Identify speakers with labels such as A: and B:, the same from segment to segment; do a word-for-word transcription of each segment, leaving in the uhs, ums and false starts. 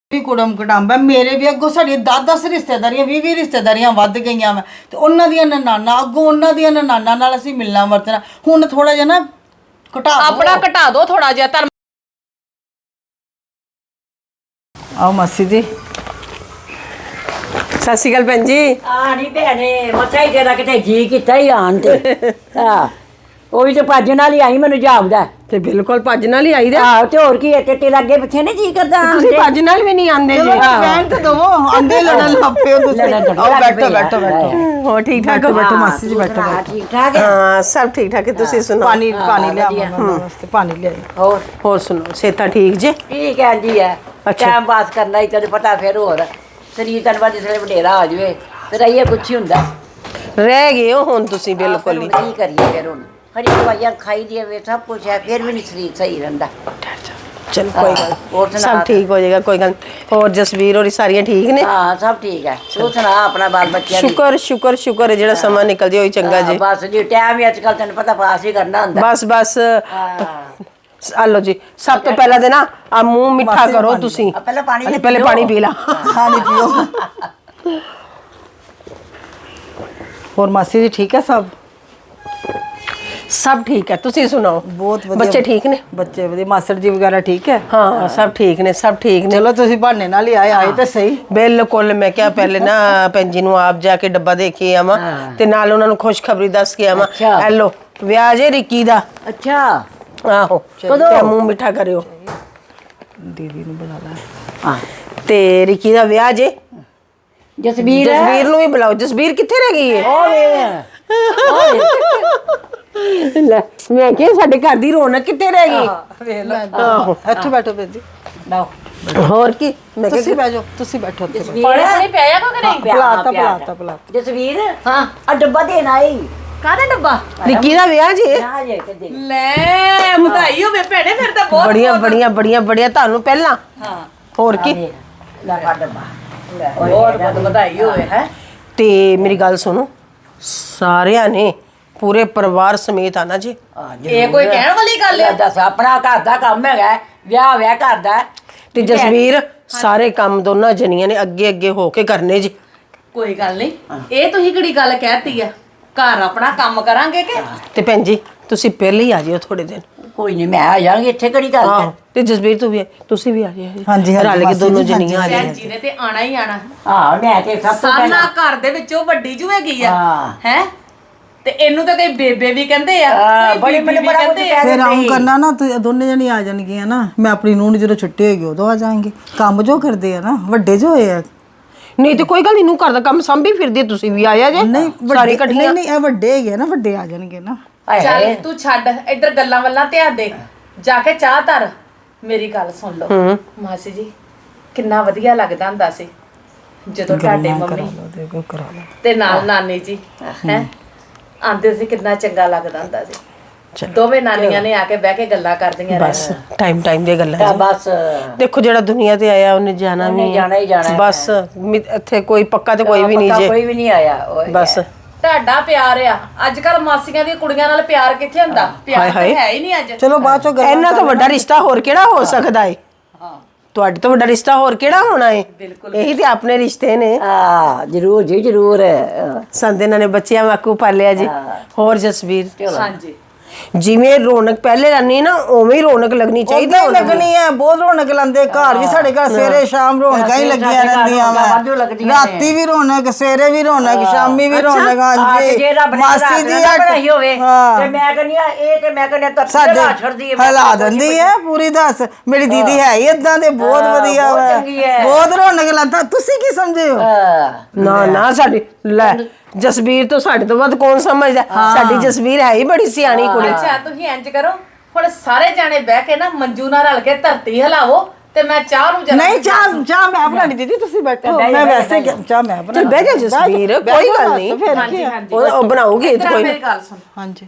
A: ਵੀ ਕੁੜਮ ਕਟਾਂਬਾ ਮੇਰੇ ਵੀ ਅੱਗੋਂ ਸਾਡੀਆਂ ਦਸ ਦਸ ਰਿਸ਼ਤੇਦਾਰੀਆਂ ਵੀਹ ਵੀਹ ਰਿਸ਼ਤੇਦਾਰੀਆਂ ਵੱਧ ਗਈਆਂ ਵਾ ਤੇ ਉਹਨਾਂ ਦੀਆਂ ਨਨਾਣਾ ਅੱਗੋਂ ਉਹਨਾਂ ਦੀਆਂ ਨਨਾਣਾ ਨਾਲ ਅਸੀਂ ਮਿਲਣਾ ਵਰਤਣਾ ਹੁਣ ਥੋੜਾ ਜਿਹਾ ਨਾ ਘਟਾ
B: ਆਪਣਾ ਘਟਾ ਦੋ ਥੋੜਾ ਜਿਹਾ ਧਰਮ।
A: ਆਓ ਮਾਸੀ ਜੀ
C: ਸਤਿ ਸ਼੍ਰੀ ਅਕਾਲ ਭੈਣ ਜੀ।
D: ਆ ਨਹੀਂ ਭੈਣੇ ਮੱਥਾ ਹੀ ਤੇਰਾ ਕਿਤੇ ਜੀ ਕੀਤਾ ਹੀ ਆਣ ਤੇ ਹਾਂ ਉਹ ਵੀ ਤੇ ਭੱਜ ਨਾਲ ਹੀ ਆਈ ਮੈਨੂੰ ਜਾਪਦਾ
C: ਤੇ ਬਿਲਕੁਲ ਭੱਜ ਨਾਲ ਹੀ ਆਈਦਾ।
D: ਆਹ ਤੇ ਹੋਰ ਕੀ ਹੈ ਤੇ ਤੇਰਾ ਅੱਗੇ ਪਿੱਛੇ ਨਹੀਂ ਜੀ ਕਰਦਾ
C: ਤੁਸੀਂ ਭੱਜ ਨਾਲ ਵੀ ਨਹੀਂ ਆਂਦੇ ਜੀ।
A: ਭੈਣ ਤੇ ਦਵੋ ਆਂਦੇ ਲੜਨ ਲੱਪੇ ਹੋ ਤੁਸੀਂ ਆਓ ਬੈਠੋ ਬੈਠੋ ਬੈਠੋ
C: ਹੋ ਠੀਕ ਠਾਕ
A: ਬੈਠੋ ਬੈਠੋ ਮਾਸੀ ਜੀ ਬੈਠੋ
D: ਹਾਂ,
A: ਬੈਠੋ
D: ਠੀਕ ਠਾਕ ਹੈ
C: ਹਾਂ ਸਭ ਠੀਕ ਠਾਕ ਹੈ। ਤੁਸੀਂ ਸੁਣਾਓ
A: ਪਾਣੀ ਪਾਣੀ ਲਿਆ ਮੰਮਾ ਵਾਸਤੇ ਪਾਣੀ ਲਿਆਈ
D: ਹੋਰ
C: ਹੋਰ ਸੁਣਾਓ ਸੇਤਾ ਠੀਕ ਜੇ?
D: ਠੀਕ ਹੈ ਜੀ ਹੈ
C: ਅੱਛਾ।
D: ਟਾਈਮ ਪਾਸ ਕਰਨਾ ਹੀ ਤੈਨੂੰ ਪਤਾ ਫਿਰ ਹੋਰ ਸਰੀਰ ਤਨ ਬਾਅਦ ਜਿਸਲੇ ਵਡੇਰਾ ਹੋ ਜਾਵੇ ਫਿਰ ਇਹ ਕੁਛ ਹੀ ਹੁੰਦਾ
C: ਰਹਿ ਗਏ ਹੋ ਹੁਣ ਤੁਸੀਂ ਬਿਲਕੁਲ ਹੀ।
D: ਹੁਣ ਕੀ ਕਰੀਏ ਫਿਰ ਹੁਣ ਹਰੀ ਦਵਾਈਆਂ ਖਾਈ ਦੀ ਵੇ ਸਭ ਕੁਝ ਹੈ ਫਿਰ ਵੀ ਨਹੀਂ ਸਰੀਰ ਸਹੀ ਰਹਿੰਦਾ
C: ਚਲ ਕੋਈ ਗੱਲ
D: ਹੋਰ
C: ਨੀ,
D: ਸੁਣਾ
C: ਸਭ ਠੀਕ ਹੋ ਜਾਏਗਾ ਕੋਈ ਗੱਲ ਨੀ। ਹੋਰ ਜਸਵੀਰ ਹੋਰੀ ਸਾਰੀਆਂ ਠੀਕ ਨੇ?
D: ਹਾਂ ਸਭ ਠੀਕ ਹੈ ਤੂੰ ਸੁਣਾ ਆਪਣਾ ਬਾਲ ਬੱਚਿਆਂ ਦੀ
C: ਸ਼ੁਕਰ ਸ਼ੁਕਰ ਸ਼ੁਕਰ ਹੈ ਜਿਹੜਾ ਸਮਾਂ ਨਿਕਲ ਜੇ ਉਹੀ ਚੰਗਾ ਜੀ।
D: ਬਸ ਜੀ ਟਾਈਮ ਹੀ ਅੱਜ ਕੱਲ ਤੈਨੂੰ ਪਤਾ ਪਾਸ ਹੀ ਕਰਨਾ ਹੁੰਦਾ
C: ਬਸ ਬਸ
D: ਹਾਂ
C: ਆ ਲਓ ਜੀ ਸਭ ਤੋਂ ਪਹਿਲਾਂ ਤੇ ਨਾ ਆ ਮੂੰਹ ਮਿੱਠਾ
A: ਮਾਸੀ
C: ਕਰੋ
A: ਪਾਣੀ
C: ਤੁਸੀਂ।
D: ਆ ਪਹਿਲਾਂ ਪਾਣੀ
C: ਅਰੇ
D: ਪੀਓ।
C: ਪਹਿਲੇ ਪਾਣੀ ਪੀ ਲਾ।
A: ਪਾਣੀ ਪੀਓ ਹੋਰ ਮਾਸੀ ਜੀ ਠੀਕ ਹੈ ਸਭ
C: ਸਭ ਠੀਕ ਹੈ ਤੁਸੀਂ ਸੁਣਾਓ
A: ਬਹੁਤ ਵਧੀਆ
C: ਬੱਚੇ ਠੀਕ ਨੇ?
A: ਬੱਚੇ ਵਧੀਆ ਮਾਸੜ ਜੀ ਵਗੈਰਾ ਠੀਕ ਹੈ
C: ਹਾਂ ਸਭ ਠੀਕ ਨੇ ਸਭ ਠੀਕ ਨੇ।
A: ਚਲੋ ਤੁਸੀਂ ਬਹਾਨੇ ਨਾਲ ਹੀ ਆਏ ਆਏ ਤੇ ਸਹੀ
C: ਬਿਲਕੁਲ ਮੈਂ ਕਿਹਾ ਪਹਿਲੇ ਨਾ ਭੈਣ ਜੀ ਨੂੰ ਆਪ ਜਾ ਕੇ ਡੱਬਾ ਦੇ ਕੇ ਆਵਾਂ ਤੇ ਨਾਲ ਉਹਨਾਂ ਨੂੰ ਖੁਸ਼ਖਬਰੀ ਦੱਸ ਕੇ ਆਵਾਂ।
D: ਅੱਛਾ।
C: ਹੈਲੋ ਵਿਆਹ ਜੇ ਰਿੱਕੀ ਦਾ।
D: ਅੱਛਾ
C: ਆਹੋ
D: ਕਦੋਂ?
C: ਤੇ ਮੂੰਹ ਮਿੱਠਾ ਕਰਿਓ
A: ਦੀਦੀ ਨੂੰ ਬੁਲਾ ਲੈ
D: ਹਾਂ
C: ਤੇ ਰਿੱਕੀ ਦਾ ਵਿਆਹ ਜੇ।
D: ਜਸਬੀਰ
C: ਜਸਬੀਰ ਨੂੰ ਵੀ ਬੁਲਾਓ। ਜਸਬੀਰ ਕਿੱਥੇ ਰਹਿ ਗਈ ਹੈ?
D: ਓਏ
C: ਲੈ ਮੈਂ ਕਿਹਾ ਸਾਡੇ ਘਰ ਦੀ ਰੌਣਕ ਕਿੱਥੇ ਰਹਿ ਗਈ?
A: ਆਹੋ ਇੱਥੇ ਬੈਠੋ ਭੈਣ ਜੀ
D: ਲਓ
C: ਹੋਰ ਕੀ ਮੈਂ
A: ਤੁਸੀਂ
C: ਕਿਹਾ
A: ਬਹਿ ਜਾਓ ਤੁਸੀਂ ਬੈਠੋ ਇੱਥੇ
D: ਜਸਬੀਰ
B: ਪਾਣੀ ਪਾਣੀ ਪਿਆਇਆ ਕੋ ਕਿ ਨਹੀਂ?
A: ਪਲਾਤਾ ਪਲਾਤਾ ਪਲਾਤਾ
D: ਜਸਬੀਰ ਹਾਂ ਆ ਡੱਬਾ ਦੇਣ ਆਈ
B: ਕਾਹਦਾ ਡੱਬਾ?
C: ਰਿੱਕੀ ਦਾ ਵਿਆਹ ਜੇ।
D: ਆ ਜੇ ਕੇ ਦੇ
B: ਲੈ ਵਧਾਈ ਹੋਵੇ ਭੈਣੇ ਫਿਰ ਤਾਂ ਬਹੁਤ
C: ਬੜੀਆਂ ਬੜੀਆਂ ਬੜੀਆਂ ਬੜੀਆਂ ਤੁਹਾਨੂੰ ਪਹਿਲਾਂ
B: ਹਾਂ
C: ਹੋਰ ਕੀ।
D: ਲੈ ਫੜ ਡੱਬਾ
B: ਬਹੁਤ ਬਹੁਤ ਵਧਾਈ ਹੋਵੇ ਹੈ।
C: ਤੇ ਮੇਰੀ ਗੱਲ ਸੁਣੋ ਸਾਰਿਆਂ ਨੇ ਪੂਰੇ ਪਰਿਵਾਰ ਸਮੇਤ ਆਣਾ ਜੀ।
B: ਇਹ ਕੋਈ ਕਹਿਣ ਵਾਲੀ ਗੱਲ ਆ?
D: ਦੱਸ ਆਪਣਾ ਘਰ ਦਾ ਕੰਮ ਹੈਗਾ ਵਿਆਹ ਵਿਆਹ ਕਰਦਾ
C: ਤੇ ਜਸਵੀਰ ਸਾਰੇ ਕੰਮ ਦੋਨਾਂ ਜਣੀਆਂ ਨੇ ਅੱਗੇ ਅੱਗੇ ਹੋ ਕੇ ਕਰਨੇ ਜੀ।
B: ਕੋਈ ਗੱਲ ਨਹੀਂ ਇਹ ਤੁਸੀਂ ਕਿਹੜੀ ਗੱਲ ਕਹਿਤੀ ਆ ਘਰ ਆਪਣਾ ਕੰਮ ਕਰਾਂਗੇ ਕਿ
C: ਤੇ ਭੈਣ ਜੀ ਤੁਸੀਂ ਪਹਿਲੇ ਹੀ ਆ ਜਿਓ ਥੋੜੇ ਦਿਨ।
D: ਕੋਈ ਨਹੀਂ ਮੈਂ ਆ ਜਾਵਾਂਗੀ ਇੱਥੇ ਕਿਹੜੀ ਗੱਲ
C: ਆਹੋ
D: ਹੈ
C: ਤੇ ਜਸਵੀਰ ਤੂੰ ਵੀ ਤੁਸੀਂ ਵੀ ਆ ਜਿਓ।
A: ਹਾਂਜੀ, ਹਾਂਜੀ,
C: ਰਲ ਕੇ
A: ਮਾਸੀ
C: ਦੋਨੋਂ
A: ਜੀ, ਹਾਂਜੀ,
C: ਜਣੀਆਂ ਆ
B: ਭੈਣ
C: ਜਿਓ।
B: ਜੀ ਨੇ ਤੇ ਆਣਾ ਹੀ ਆਣਾ।
D: ਹਾਂ ਮੈਂ ਤੇ ਸਭ ਤੋਂ
B: ਸਾਨਾ
D: ਪਹਿਲਾਂ
B: ਘਰ ਦੇ ਵਿੱਚੋਂ ਵੱਡੀ ਜੂ ਹੈਗੀ ਆ
D: ਹਾਂ।
B: ਹੈ ਤੇ ਇਹਨੂੰ ਤਾਂ ਕਈ ਬੇਬੇ ਵੀ ਕਹਿੰਦੇ ਆ
D: ਹਾਂ,
B: ਕਈ
D: ਬੜੀ
B: ਬੀਬੀ
D: ਮੈਨੂੰ
B: ਵੀ
D: ਬੜਾ ਕੁਝ
B: ਕਹਿੰਦੇ ਆ।
D: ਕਹਿ
A: ਫਿਰ ਆਉਂ ਕਰਨਾ ਨਾ ਤੁਸੀਂ ਦੋਨੇ ਜਣੀ ਆ ਜਾਣਗੀਆਂ ਨਾ ਮੈਂ ਆਪਣੀ ਨੂੰਹ ਨੂੰ ਜਦੋਂ ਛੁੱਟੀ ਹੋਏਗੀ ਉਦੋਂ ਆ ਜਾਵਾਂਗੇ ਕੰਮ ਜੋ ਕਰਦੇ ਆ ਨਾ ਵੱਡੇ ਜੋ ਹੋਏ ਆ
C: ਨਹੀਂ ਤੇ ਕੋਈ ਗੱਲ ਨਹੀਂ, ਨੂੰ ਘਰ ਦਾ ਕੰਮ ਸੰਭੀ ਫਿਰਦੀ ਤੁਸੀਂ ਵੀ ਆਇਆ ਜੇ
A: ਨਹੀਂ
C: ਸਾਰੀ
A: ਵੱਡੇ
C: ਇਕੱਠੀਆਂ।
A: ਨਹੀਂ ਨਹੀਂ ਇਹ ਵੱਡੇ ਹੈਗੇ ਆ ਨਾ ਵੱਡੇ ਆ ਜਾਣਗੇ ਨਾ
D: ਹਾਏ
B: ਚੱਲ
D: ਹਾਏ।
B: ਤੂੰ ਛੱਡ ਇੱਧਰ ਗੱਲਾਂ ਵੱਲਾਂ ਧਿਆਨ ਦੇ ਜਾ ਕੇ ਚਾਹ ਧਰ। ਮੇਰੀ ਗੱਲ ਸੁਣ ਲਓ ਮਾਸੀ ਜੀ ਕਿੰਨਾ ਵਧੀਆ ਲੱਗਦਾ ਹੁੰਦਾ ਸੀ ਜਦੋਂ ਤੁਹਾਡੇ ਮੰਮੀ
A: ਦੇਖੋ ਕਰਾ ਲਓ
B: ਤੇ ਨਾਲ ਨਾਨੀ ਜੀ ਹੈ ਆਂਦੇ ਸੀ ਕਿੰਨਾ ਚੰਗਾ ਲੱਗਦਾ ਹੁੰਦਾ ਸੀ। ਦੋਵੇਂ ਨਾਨੀਆਂ ਨੇ ਆ ਕੇ ਬਹਿ ਕੇ ਗੱਲਾਂ ਕਰਦੀਆਂ
C: ਬਸ
B: ਰਹਿਣਾ।
C: ਟਾਈਮ ਟਾਈਮ ਦੀਆਂ ਗੱਲਾਂ
D: ਤਾਂ
C: ਜੀ।
D: ਬਸ
C: ਦੇਖੋ ਜਿਹੜਾ ਦੁਨੀਆ ਤੇ ਆਇਆ ਉਹਨੇ ਜਾਣਾ
D: ਉਹਨੇ
C: ਵੀ
D: ਜਾਣਾ ਹੀ ਜਾਣਾ ਹੈ।
C: ਬਸ ਮਿ- ਇੱਥੇ ਕੋਈ ਪੱਕਾ ਤੇ ਕੋਈ ਵੀ ਨਹੀਂ
D: ਪੱਕਾ
C: ਜੇ।
D: ਕੋਈ ਵੀ ਨਹੀਂ ਆਇਆ ਓਏ
C: ਬਸ
B: ਤੁਹਾਡਾ ਪਿਆਰ ਆ ਅੱਜ ਕੱਲ ਮਾਸੀਆਂ ਦੀਆਂ ਕੁੜੀਆਂ ਨਾਲ ਪਿਆਰ ਕਿੱਥੇ ਹੁੰਦਾ? ਪਿਆਰ ਤਾਂ
C: ਹਾਏ।
B: ਹੈ ਹੀ ਨਹੀਂ ਅੱਜ।
A: ਚਲੋ ਬਾਅਦ ਚੋਂ ਗੱਲਾਂ
C: ਇਹਨਾਂ ਤੋਂ ਵੱਡਾ ਰਿਸ਼ਤਾ ਹੋਰ ਕਿਹੜਾ ਹੋ ਸਕਦਾ ਏ? ਤੁਹਾਡੇ ਤੋਂ ਵੱਡਾ ਰਿਸ਼ਤਾ ਹੋਰ ਕਿਹੜਾ ਹੋਣਾ ਏ? ਇਹੀ ਤੇ ਆਪਣੇ ਰਿਸ਼ਤੇ ਨੇ।
D: ਆ ਜਰੂਰ ਜੀ ਜਰੂਰ
C: ਸੰਦੇ ਇਹਨਾਂ ਨੇ ਬੱਚਿਆਂ ਵਾਂਗੂ ਪਾਲਿਆ ਜੀ। ਹੋਰ ਜਸਵੀਰ
B: ਹਾਂਜੀ
C: ਜਿਵੇਂ ਰੌਣਕ ਪਹਿਲੇ ਰਹਿਣੀ ਨਾ ਉਵੇਂ ਹੀ ਰੌਣਕ ਲੱਗਣੀ ਚਾਹੀਦੀ
A: ਉਦਾਂ ਹੀ ਲੱਗਣੀ ਹੈ ਬਹੁਤ ਰੌਣਕ ਲਾਉਂਦੇ ਘਰ ਵੀ ਸਾਡੇ ਘਰ ਸਵੇਰੇ ਸ਼ਾਮ ਰੌਣਕਾਂ ਹੀ ਲੱਗੀਆਂ ਰਹਿੰਦੀਆਂ
D: ਵਾਧੂ
A: ਵਾ
D: ਲੱਗਦੀਆਂ ਨੇ।
A: ਰਾਤੀ ਵੀ ਰੌਣਕ ਸਵੇਰੇ ਵੀ ਰੌਣਕ ਸ਼ਾਮੀ ਵੀ ਰੌਣਕ
D: ਆ
A: ਹਾਂਜੀ
D: ਜੇ ਰੱਬ ਨੇ
A: ਮਾਸੀ ਜੀ
D: ਨਾ ਬਣਾਈ ਹੋਵੇ
A: ਹਾਂ।
D: ਤੇ ਮੈਂ ਕਹਿੰਦੀ ਆ ਇਹ ਤੇ ਮੈਂ ਕਹਿੰਦੀ ਤਾਂ
A: ਸਾਡੇ
D: ਛੱਡਦੀ ਹੈ
A: ਹਿਲਾ ਦਿੰਦੀ ਹੈ ਪੂਰੀ ਦੱਸ ਮੇਰੀ ਦੀਦੀ ਹੈ ਹੀ ਇਦਾਂ ਦੇ ਬਹੁਤ ਵਧੀਆ
D: ਬਹੁਤ
A: ਵਾ
D: ਚੰਗੀ ਹੈ।
A: ਬਹੁਤ ਰੌਣਕ ਲਾਉਂਦਾ ਤੁਸੀਂ ਕੀ ਸਮਝੇ ਹੋ
C: ਨਾ ਨਾ ਸਾਡੀ ਲੈ ਜਸਵੀਰ ਤੋਂ ਸਾਡੇ ਤੋਂ ਵੱਧ ਕੌਣ ਸਮਝਦਾ? ਸਾਡੀ ਜਸਵੀਰ ਹੈ ਹੀ ਬੜੀ ਸਿਆਣੀ ਕੁੜੀ।
B: ਅੱਛਾ ਤੁਸੀਂ ਇੰਜ ਕਰੋ ਹੁਣ ਸਾਰੇ ਜਾਣੇ ਬਹਿ ਕੇ ਨਾ ਮੰਜੂ ਨਾਲ ਰਲ ਕੇ ਧਰਤੀ ਹਿਲਾਵੋ ਤੇ ਮੈਂ ਚਾਹ ਨੂੰ ਜਰਾ
A: ਨਹੀਂ ਚਾਹ ਚਾਹ ਮੈਂ ਬਣਾਣੀ ਦੀਦੀ ਤੁਸੀਂ ਬੈਠੋ ਮੈਂ ਵੈਸੇ ਕਿ- ਚਾਹ ਮੈਂ ਬਣਾ
C: ਚਲ ਬਹਿ ਜਾ ਜਸਵੀਰ ਕੋਈ ਗੱਲ ਨਹੀਂ
B: ਹਾਂਜੀ ਹਾਂਜੀ
C: ਉਹ ਉਹ ਬਣਾਉਗੀ
B: ਇੱਧਰ ਆ
C: ਕੋਈ
B: ਮੇਰੀ ਗੱਲ ਸੁਣ
A: ਹਾਂਜੀ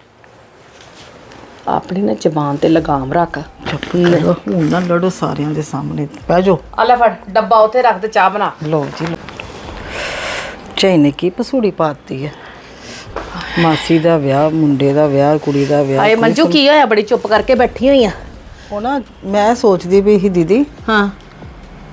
B: ਆਪਣੀ ਨਾ ਜ਼ਬਾਨ ਤੇ ਲਗਾਮ ਰੱਖ।
A: ਚੁੱਪ ਕਰੋ ਹੁਣ ਨਾ ਲੜੋ ਸਾਰਿਆਂ ਦੇ ਸਾਹਮਣੇ ਬਹਿ ਜਾਓ
B: ਆ ਲੈ ਫੜ ਡੱਬਾ ਉੱਥੇ ਰੱਖ ਤੇ ਚਾਹ ਬਣਾ।
A: ਲਓ ਜੀ ਲਓ। ਝਾਈ ਨੇ ਕੀ ਪਸੂੜੀ ਪਾਤੀ ਹੈ ਮਾਸੀ ਦਾ ਵਿਆਹ ਮੁੰਡੇ ਦਾ ਵਿਆਹ ਕੁੜੀ ਦਾ ਵਿਆਹ
B: ਆਏ ਮੰਜੂ ਕੀ ਹੋਇਆ ਬੜੀ ਚੁੱਪ ਕਰਕੇ ਬੈਠੀ ਹੋਈ ਆ?
A: ਉਹ ਨਾ ਮੈਂ ਸੋਚਦੀ ਵੀ ਸੀ ਦੀਦੀ
B: ਹਾਂ